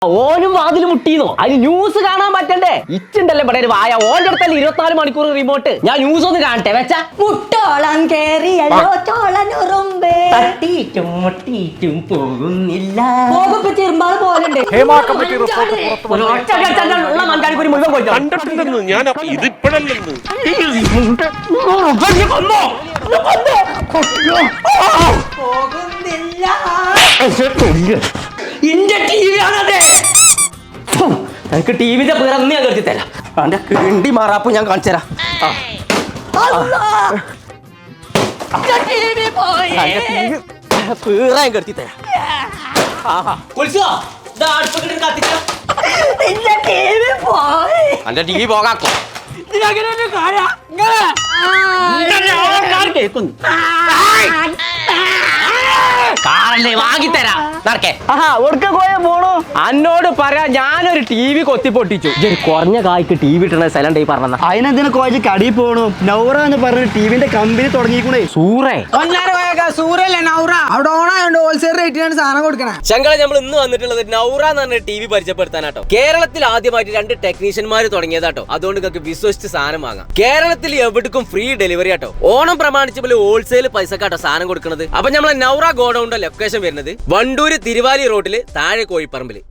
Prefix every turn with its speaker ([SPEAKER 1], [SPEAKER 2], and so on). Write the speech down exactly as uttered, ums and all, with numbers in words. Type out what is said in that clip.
[SPEAKER 1] ഓനും വാതിൽ മുട്ടിന്നോ? അതിന് ന്യൂസ് കാണാൻ പറ്റണ്ടേ? ഇച്ചുണ്ടല്ലേ ഇവിടെ ഒരു വായ. ഓന്റെ അടുത്തല്ലേ ഇരുപത്തിനാല് മണിക്കൂർ റിമോട്ട്. ഞാൻ ന്യൂസ് ഒന്ന് കാണട്ടെ വെച്ചാ.
[SPEAKER 2] മുട്ടോളം കേറിയല്ലോ ചോളനുറുമ്പേ
[SPEAKER 1] തട്ടിയിട്ടും മുട്ടിയിട്ടും പോകുന്നില്ല.
[SPEAKER 2] ചെറുമ്പാട് പോലുണ്ട്.
[SPEAKER 1] ഉള്ള മഞ്ചാടിക്കുരി മുഴുവൻ കൊല്ലോ.
[SPEAKER 3] കണ്ടിട്ടില്ലെന്ന് ഞാൻ ഇതിപ്പോഴല്ലെന്ന്
[SPEAKER 2] പോകുന്നില്ല.
[SPEAKER 1] ഇന്റെ ടി വി ആണത്. എനിക്ക് ടി വിന്റെ പിറന്ന് ഞാൻ കരുതി തരാം. അവന്റെ കിണ്ടി മാറാപ്പ് ഞാൻ കാണിച്ചു തരാം. പീറാൻ കരുതി തരാം. അന്റെ ടി വി പോകാക്കോ. കേൾക്കുന്നു കാറല്ലേ വാങ്ങിത്തരാ. അന്നോട് പറയാ ഞാനൊരു ടി വി കൊത്തി പൊട്ടിച്ചു. ഒരു കുറഞ്ഞ കായ്ക്ക് ടി വി ഇട്ടണ സ്ഥലം പറഞ്ഞ
[SPEAKER 4] അതിനെന്തിനു കോച്ച് കടി പോണു. നൗറ എന്ന് പറഞ്ഞ ടിവിന്റെ കമ്പനി തുടങ്ങിക്കൂടെ.
[SPEAKER 1] സൂറേ
[SPEAKER 2] സൂര്യല്ലേ നൗറ അവിടെ ഓണായോണ്ട് ഹോൾസെയിൽ റേറ്റിനാണ് സാധനം കൊടുക്കണേ.
[SPEAKER 1] ശങ്കളെ നമ്മൾ ഇന്ന് വന്നിട്ടുള്ളത് നൗറ എന്ന് പറഞ്ഞ ടി വി പരിചയപ്പെടുത്താനാട്ടോ. കേരളത്തിൽ ആദ്യമായിട്ട് രണ്ട് ടെക്നീഷ്യന്മാർ തുടങ്ങിയതാട്ടോ. അതുകൊണ്ട് നിങ്ങൾക്ക് വിശ്വസിച്ച് സാധനം വാങ്ങാം. കേരളത്തിൽ എവിടേക്കും ഫ്രീ ഡെലിവറി ആട്ടോ. ഓണം പ്രമാണിച്ച് പോലെ ഹോൾസെയിൽ പൈസക്കാട്ടോ സാധനം കൊടുക്കുന്നത്. അപ്പൊ നമ്മളെ നൗറ ഗോഡൌണിന്റെ ലൊക്കേഷൻ വരുന്നത് വണ്ടൂര് തിരുവാലി റോഡില് താഴെ കോഴിപ്പറമ്പില്.